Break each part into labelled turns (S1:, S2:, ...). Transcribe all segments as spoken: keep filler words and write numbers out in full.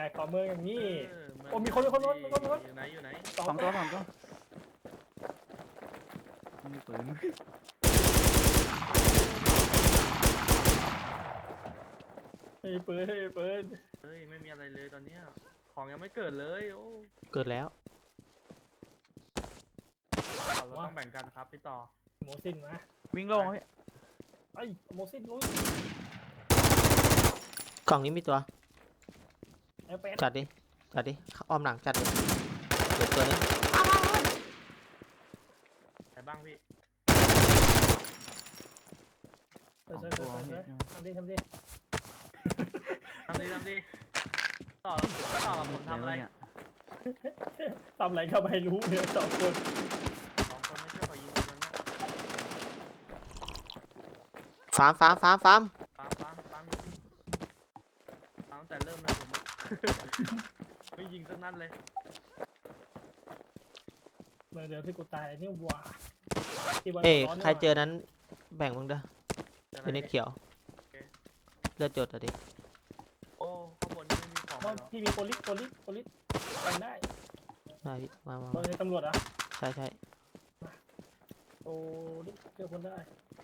S1: กต่อเมืองอย่างนี้
S2: เออเง
S1: โอ้มีคนมีคนมีคนมีคนมีคน
S2: อยู่ไหนอยู่ไหน
S1: สอง
S3: สองตัวสองตัวมีปืน
S1: เฮ้ยปืนเฮ้ยปืน
S2: เฮ้ยไม่มีอะไรเลยตอนเนี้ยของยังไม่เกิดเลยโอ้
S4: เกิดแล้ว
S2: เราต้องแบ่งกันครับพี่ต่อ
S1: โมซินนะ
S3: วิ่งโล่งพี่
S1: ไอ้โมซินลุย
S4: กล่องนี้มีตัว
S1: ไอ้เป็ด
S4: จัดดิจัดดิอ้อมหลังจัดดิเกิดตัวนี้
S2: ไหนบ้างพี่
S1: เออ
S3: สอง
S1: เออ
S3: ตัว
S1: เออ
S3: พี่
S1: ทำดิทำดิ
S2: ทำดีทำดีต่อต่อกับผมทำอะไร
S3: เนี่ย
S1: ทำอะไรก็ไม่รู้เนี่ยสองคน
S2: สองคนไม่ใช่ขอยิงคนนั้นนะ
S4: ฟาร์มฟาร์มฟาร์มฟาร์ม
S2: ปั๊มปั๊มปั๊มปั๊มแต่เริ่มนะผมอะไม่ยิงสักนัดเลย
S1: เมื่อเดี๋ยวที่กูตายนี่หว่าที่วัน
S4: เอ้ย
S1: ร้อนนี่
S4: ใคร
S1: หว่า
S4: เจอนั้นแบ่งมึงเด้อ
S2: จะไห
S4: เป็นเน็ตเขียวเลือดจดอ่ะดิ
S2: โอ้ข้างบนนี่ไม่มีของ
S1: เพราะ
S2: เหรอ
S1: พี่มีโพลิสโพลิสโพลิสไปได้
S4: ได้พี่มามา
S1: โด
S4: มาย
S1: ตำรวจอ่ะ
S4: ใช่ใช่
S1: โอ้ดิเจอคนได้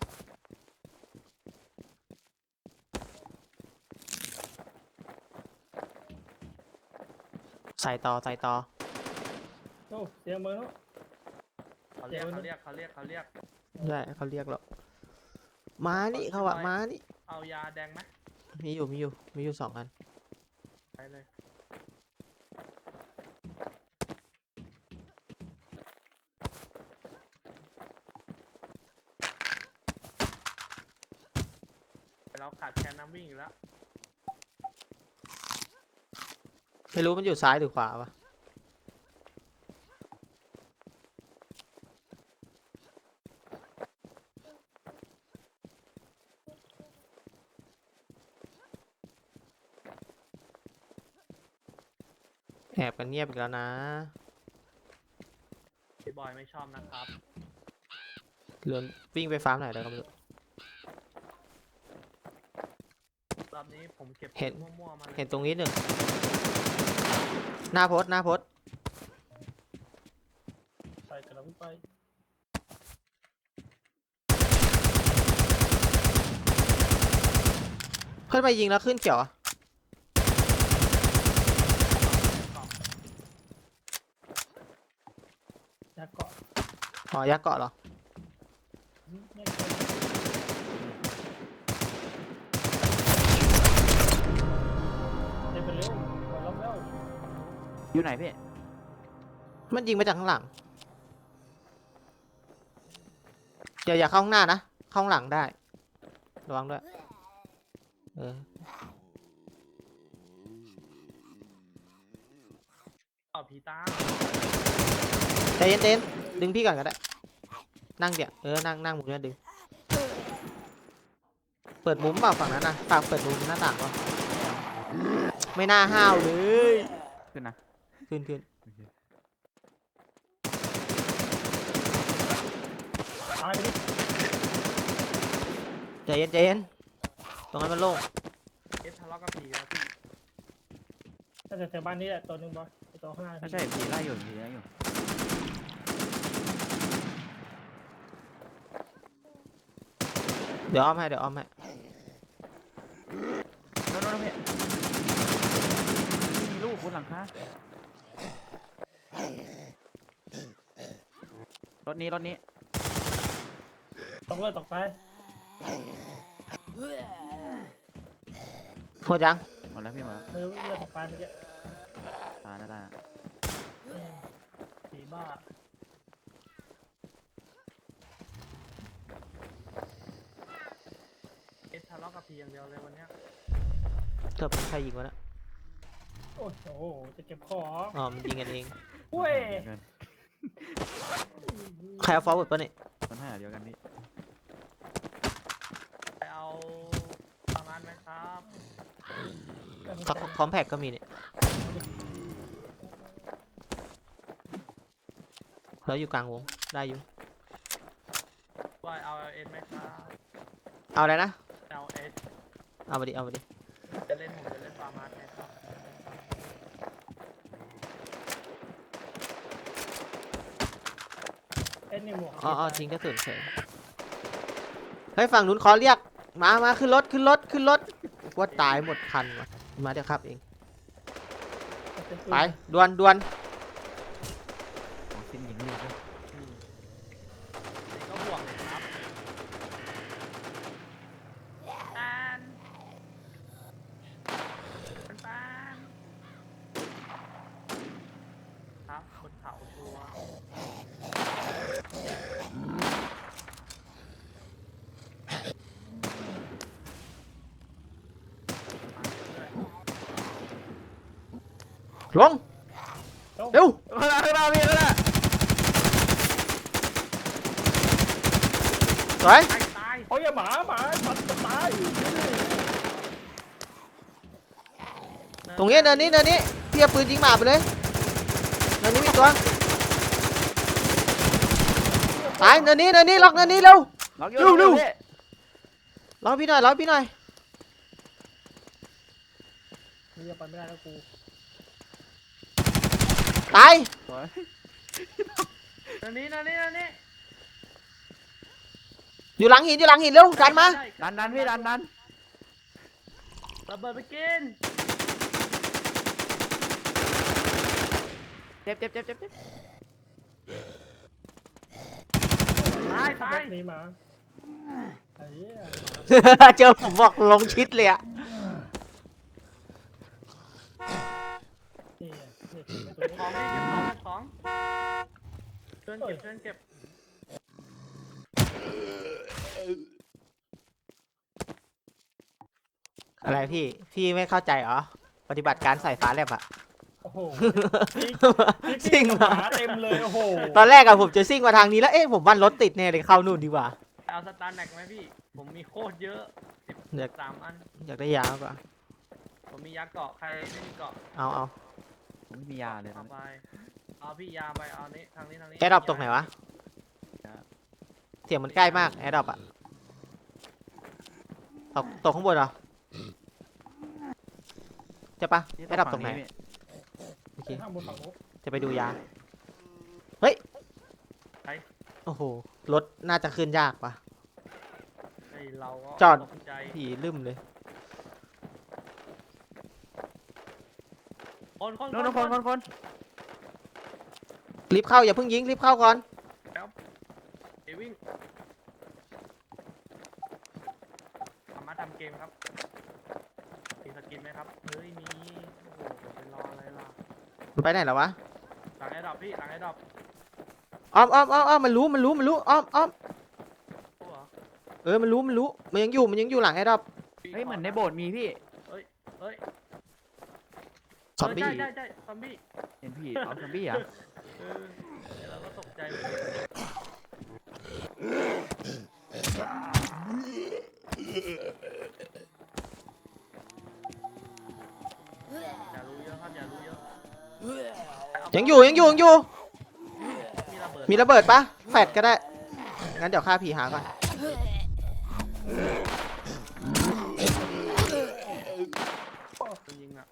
S4: ใส่ต่อใส่ต่อ
S1: โอ้เสียงมือเนาะ
S2: เขาเรียกเขาเรียกเขาเรียกเขาเรียก
S4: ได้เขาเรียกหรอกมานี่เขาอะมานี่
S2: เอายาแดงไหม
S4: มีอยู่มีอยู่มีอยู่สองอัน
S2: ไปเลยเราขาดแคลนน้ำวิ่งอยู่แล้ว
S4: ไม่รู้มันอยู่ซ้ายหรือขวาวะแอบกันเงียบอีกแล้วนะ
S2: พี่บอยไม่ชอบนะครับ
S4: เรือนวิ่งไปฟาร์มไหนแล้วก็ไม่รู้
S2: รอบนี้ผมเก็บ
S4: เห็น
S2: มั่วๆมาเลย
S4: เห็นตรงนี้หนึ่งหน้าโพสต์หน้าโพสต์
S1: ไปกระลังไป
S4: ขึ้นไปยิงแล้วขึ้นเขียวอะ
S1: ยักเกาะ
S4: อ๋อยักษ์เกาะเหรอ
S1: ไม่เคยเดินไปเร็วกดล้อมแล้ว
S3: อยู่ไหนพี่
S4: มันยิงมาจากข้างหลังอย่าอย่าเข้าข้างหน้านะเข้าข้างหลังได้ระวังด้วยเออ
S2: ต่อผีตา
S4: ใจเย็นใจเย็นดึงพี่ก่อนก็ได้นั่งเดี๋ยวเออนั่งนั่งมุมนี้ดึงเปิดมุมเปล่าฝั่งนั้นนะฝากเปิดมุมหน้าต่างเปล่าไม่น่าห้าวเลย
S3: ขึ้นนะ
S4: ขึ้นขึ้น
S3: โอเค
S1: ตายไปดิ
S4: ใจเย็นใจเย็นตรงนั้นมันโล่ง
S2: เอฟทะเลาะกับผีแล้วพี่
S1: น่าจะแถวบ้านนี้แหละตัวหนึ่งบอลไอตัวข้างหน้า
S3: ไม่ใช่ผีไล่อยู่ผีไล่อยู่
S4: เดี๋ยวอ้อมให้เดี๋ยวอ้อมให้
S3: โน่นโน่นพี่มีลูกบนหลังคารถนี้รถนี้
S1: ตกเลยตกไป
S4: หมดยัง
S3: หมดแล้วพี่หมดแล้ว
S1: เออเลือดตกไปเมื่อกี้
S3: ตายแล้วตายแล้ว
S1: ผีบ้า
S2: เอฟทะเลาะกับผีอย่างเดียวเลยวันเนี้ย
S4: เกือบใครยิงวะนะ
S1: โอ้โหจะเก็บของ
S4: อ๋อมันยิงกันเอง
S1: เว้ย
S3: เดียวกัน
S4: ใครเอาฟอร์เวิร์ดปะเนี่ย
S3: มันห้าเดียวกันพี่
S2: ไปเอาประมาณไหมครับ
S4: คอมแพคก็มีเนี่ยแล้วอยู่กลางวงได้อยู่
S2: บอยเอาเอสไหมครับ
S4: เอาอะไรนะ
S2: เอาเอส
S4: เอามาดิเอามาดิ
S2: จะเล่นผมจะเล่นประมาณไหมครับ
S1: นี่หมวก
S4: อ๋ออ๋อทิ้งกระสุนเฉยเฮ้ยฝั่งนู้นขอเรียกมามาขึ้นรถขึ้นรถขึ้นรถว่าตายหมดคันว่ะมาเดี๋ยวครับเองไปดวนดวน
S3: ของสิ้นหญิงลีกเลย
S2: อืมนี่ก็บวกเลยครับปานปานปานครับบนเขาชัวร์มาเรื่อย
S4: ลงเร็ว
S3: ข้างหน้าข้างหน้าพี่ข้างหน้า
S4: สวย
S2: ตายตาย
S1: โอ้ยอย่าหมาหมาสัตว์จะตาย
S4: ตรงนี้เนินนี้เนินนี้พี่เอาปืนยิงหมาไปเลยเนินนี้มีตัวตายเนินนี้เนินนี้ล็อกเนินนี้เร็ว
S3: ล็อกอยู่
S4: เร็วเร็ว
S3: พี่
S4: ล็อกพี่หน่อยล็อกพี่หน่อย
S1: นี่จะไปไม่ได้แล้วกู
S4: ตาย
S3: สวย
S2: นั่นนี่นั่นนี่นั่นนี่
S4: อยู่หลังหินอยู่หลังหินเร็วดันมา
S2: ใช่
S3: ดันดันพี่ดันดัน
S2: ระเบิดไปกิน
S3: เจ็บเจ็บเจ็บเจ็บเจ็บ
S2: ตายตาย
S1: หนีหมาไอ้เหี้ย
S4: เจอผมบอกลงชิดเลยอะ
S1: นี่ไงนี่ไอ้ตัว
S2: เก็บ
S1: นี้
S2: ของนี่เก็บของเก็บของเพื่อนเก็บเพื่อนเก็บ
S4: อะไรพี่พี่ไม่เข้าใจเหรอปฏิบัติการใส่ฟ้าแลบอะ
S1: โอ้โห
S4: ซิ่ง
S1: ห
S4: มา
S1: มาเต็มเลยโอ้โห
S4: ตอนแรกอะผมจะซิ่งมาทางนี้แล้วเอ๊ะผมว่ารถติดแน่เลยเข้านู่นดีกว่า
S2: เอาสตาร์แน็กไหมพี่ ผมมีโคตรเยอะสิบ
S4: อยาก
S2: สามอัน
S4: อยากได้ยาวกว่า
S2: ผมมียาเกาะใครไม่มีเกาะ
S4: เอาเอา
S3: ผมไม่มียาเลยตอ
S2: เอา
S3: นนี้
S2: ไปเอาพี่ยาไปเอานี้ทางนี้ทางนี้
S4: แอร์ดรอปตรงไหนวะเสียงมันใกล้มากแอร์ดรอปอะตกตกข้างบนเหรอใช่ปะ
S3: พี่
S4: แอร์ดรอปตรงไหน
S3: พี่
S4: โอเค
S1: ข้างบนฝั่งนู้น
S4: จะไปดูยาเฮ้ย
S2: ไป
S4: โอ้โหรถน่าจะขึ้นยากปะ
S2: ไอเราก็
S4: จอด
S2: ตกใจ
S4: ผีลืมเลย
S2: คนคน
S3: โน่นโน่นคนคนคน
S4: รีบเข้าอย่าเพิ่งยิงรีบเข้าก่อน
S2: เอวิ่งสามารถทำเกมครับมีสกินไหมครับเฮ้ยมีโอ้โหเดี๋ยวไปรออะไรล่ะ
S4: มันไปไหนแล้ววะ
S2: หลังไอ้ดอกพี่หลังไอ้ดอก
S4: อ้อมอ้อมอ้อมอ้อมมันรู้มันรู้มันรู้อ้อมอ้อม
S2: โอ้โห
S4: เออมันรู้มันรู้มันยังอยู่มันยังอยู่หลังแอร์ดรอป
S3: เฮ้ยเหมือนในโบสถ์มีพี่
S2: เฮ้ยเฮ้ย
S4: ซอมบี้
S2: เใช่ใช่ใช่ซอมบี้
S3: เห็นพี่เอาซอมบี้เหรอ่ะ
S2: เออเดี๋ยวเราก็ตกใจหมดอย่ารู้เยอะครับอย่ารู้เยอะ
S4: ยังอยู่ยังอยู่ยังอยู่
S2: มีระเบิด
S4: มีระเบิดปะแฟดก็ได้งั้นเดี๋ยวฆ่าผีหาก่อน
S2: คนยิงอ่ะ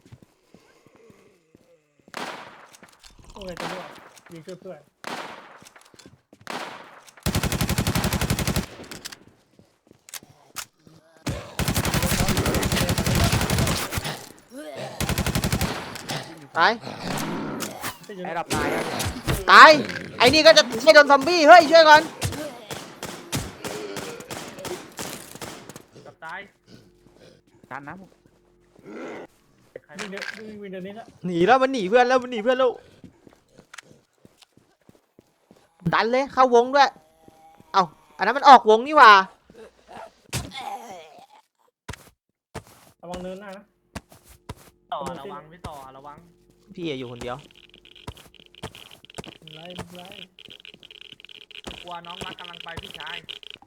S1: โอ้ยตัวนี้ยิงช่วยเพื่อน
S4: ตาย
S1: ที่อยู่
S3: ไอ้ดับตายอะ
S4: ตายไอ้นี่ก็จะให้โดนซอมบี้เฮ้ยช่วยก่อน
S2: กับตาย
S3: การนะผม
S2: ใคร
S1: วิ่งเดี๋ยววิ่งวิ่งเดี๋ยวนี้ละ
S4: หนีแล้วมันหนีเพื่อนแล้วมันหนีเพื่อนแล้วดันเลยเข้าวงด้วยเอ้าอันนั้นมันออกวงนี่หว่า
S1: ระวังเนินหน้านะ
S2: ต่อระวังพี่ต่อระวัง
S4: พี่อะอยู่คนเดียว
S1: ไล่ไล่
S2: กลัวน้องรักกำลังไปพี่ชาย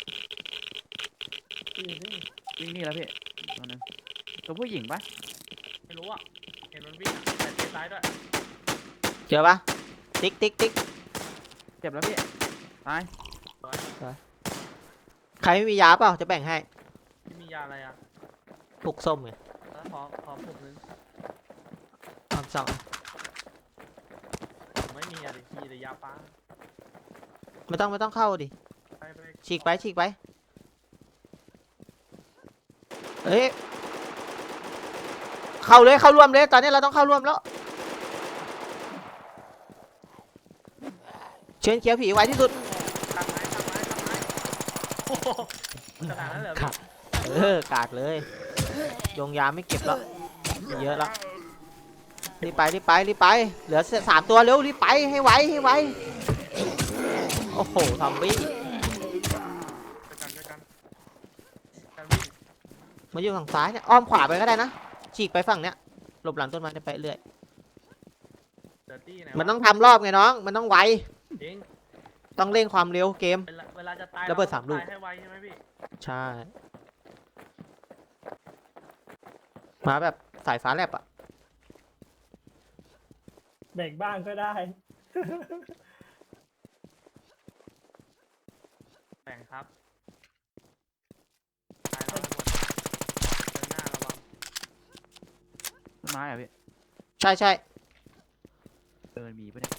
S1: ที่อยู่นี่
S3: วิ่งนี่แล้วพี่ตัวนึงตัวผู้หญิงปะ
S2: ไม่รู้อ่ะเห็นมันวิ่งอะแต่เตะซ้ายด้วย
S4: เจอปะติ๊กติ๊กติ๊ก
S3: เจ็บแล้วพี่ตาย
S4: ใครไม่มียาเปล่าจะแบ่งให้
S2: พี่มียาอะไรอ่ะ
S4: ปลุกส้มไง
S2: แล้วขอขอผมนึง
S4: อ้อมสอง
S2: ไม่มีอะไรมีแต่ยาป้า
S4: ไม่ต้องไม่ต้องเข้าดิ
S2: ไปไป
S4: ฉีกไปฉีกไปเอ้ยเข้าเลยเข้าร่วมเลยตอนนี้เราต้องเข้าร่วมแล้วเชิญเขียวผีไว้ที่สุด
S2: ทำไม้ทำไม้ทำไม้โอ้โหขนาดนั้นเลยเหรอ
S4: ครั
S2: พี่
S4: บ เออกากเลยดวงยาไม่เก็บแล้วเยอะแล้วรีบไปรีบไปรีบไปเหลือสามตัวเร็วรีบไปให้ไวให้ไวโอ้โหซอมบี้
S2: ช่วยกันช่วยกันกันวิ่ง
S4: มาอยู่ฝั่งซ้ายเนี่ยอ้อมขวาไปก็ได้นะฉีกไปฝั่งเนี้ยหลบหลังต้นไม้เนี่ยไปเรื่อย
S2: เดอร์ตี้ไหน
S4: มันต้องทำรอบไงน้องมันต้องไว
S2: จริง
S4: ต้องเร่งความเร็วเกม
S2: เวลาเวลาจะตาย
S4: ระเบิด
S2: ต้
S4: สามลูก
S2: ตยให้ไวใช่ไหมพี่
S4: ใช่มาแบบสายฟ้าแลบอะ
S1: เบรกบ้างก็ได้
S2: แบ่งครับตายแล้วหมดเดินหน้าระวัง
S3: ต้นไม้อะพี่
S4: ใช่ใช่
S3: เดินมีปะเนี่ย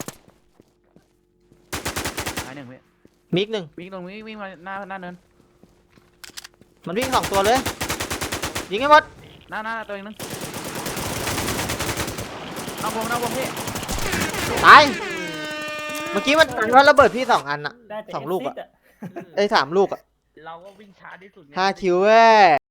S3: ไม้หนึ่งพี่
S4: มิกหนึ่ง
S3: วิ่งตรงนี้วิ่งมาหน้าหน้าเนิน
S4: มันวิ่งสองตัวเลยยิงให้หมด
S3: หน้าหน้าตัวเองนึงน้องวงน้องวงพี่
S4: ตายเมื่อกี้มันมันว่าระเบิดพี่สองอันอะ
S1: ได้แต่
S4: สองลูกอะ
S1: เอ็กซิส
S4: เอ้ยสามลูกอะ
S2: เราก็วิ่งช้าที่สุดไง
S4: ห้าคิวเว้ย